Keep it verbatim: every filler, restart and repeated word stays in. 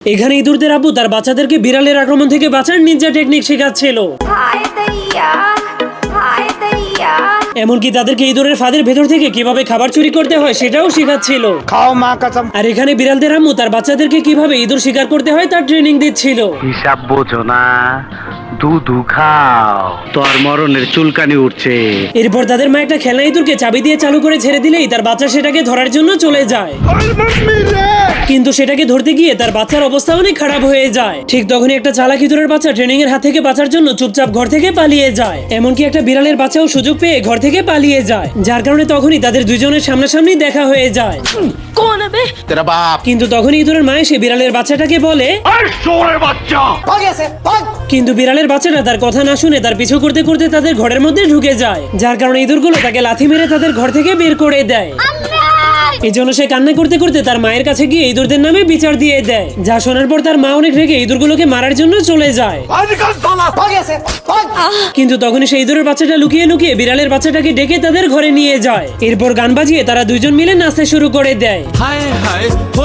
এখানে ইঁদুরদের আব্বু তার বাচ্চাদেরকে বিড়ালের আক্রমণ থেকে বাঁচার নিনজা টেকনিক শেখাচ্ছিল। এমনকি তাদেরকে ইঁদুরের ফাঁদের ভেতর থেকে কিভাবে খাবার চুরি করতে হয় সেটাও শেখাচ্ছিল। খাও মা কসম। আর এখানে বিড়ালদের আম্মু তার বাচ্চাদেরকে কিভাবে ইঁদুর শিকার করতে হয় তার ট্রেনিং দিচ্ছিল। হিসাব বোঝো না, দুধু খাও, তোর মরণের চুলকানি উঠছে। এরপর তাদের মা একটা খেলনা ইঁদুরকে চাবি দিয়ে চালু করে ছেড়ে দিলেই তার বাচ্চা সেটাকে ধরার জন্য চলে যায়, কিন্তু সেটাকে ধরতে গিয়ে তার বাচ্চার অবস্থা অনেক খারাপ হয়ে যায়। ঠিক তখনই একটা চালাক ইঁদুরের বাচ্চা ট্রেনিং এর হাত থেকে বাঁচার জন্য চুপচাপ ঘর থেকে পালিয়ে যায়। এমনকি একটা বিড়ালের বাচ্চাও সুযোগ পেয়ে ঘর থেকে পালিয়ে যায়, যার কারণে তখনই তাদের দুজনের সামনাসামনি দেখা হয়ে যায়। তেরা বাপ। কিন্তু তখনই ইঁদুরের মা এসে বিড়ালের বাচ্চাটাকে বলে, বাচ্চা কিন্তু বিড়ালের বাচ্চাটা তার কথা না শুনে তার পিছু করতে করতে তাদের ঘরের মধ্যে ঢুকে যায়, যার কারণে ইঁদুরগুলো তাকে লাথি মেরে তাদের ঘর থেকে বের করে দেয়। এই জন্য সে কান্না করতে করতে তার মায়ের কাছে গিয়ে ইঁদুরদের নামে বিচার দিয়ে দেয়, যা শোনার পর তার মা অনেক রেগে ইঁদুরগুলোকে মারার জন্য চলে যায়। কিন্তু তখনই সেই ইঁদুরের বাচ্চাটা লুকিয়ে লুকিয়ে বিড়ালের বাচ্চাটাকে ডেকে তাদের ঘরে নিয়ে যায়। এরপর গান বাজিয়ে তারা দুইজন মিলে নাচতে শুরু করে দেয়। হায় হায়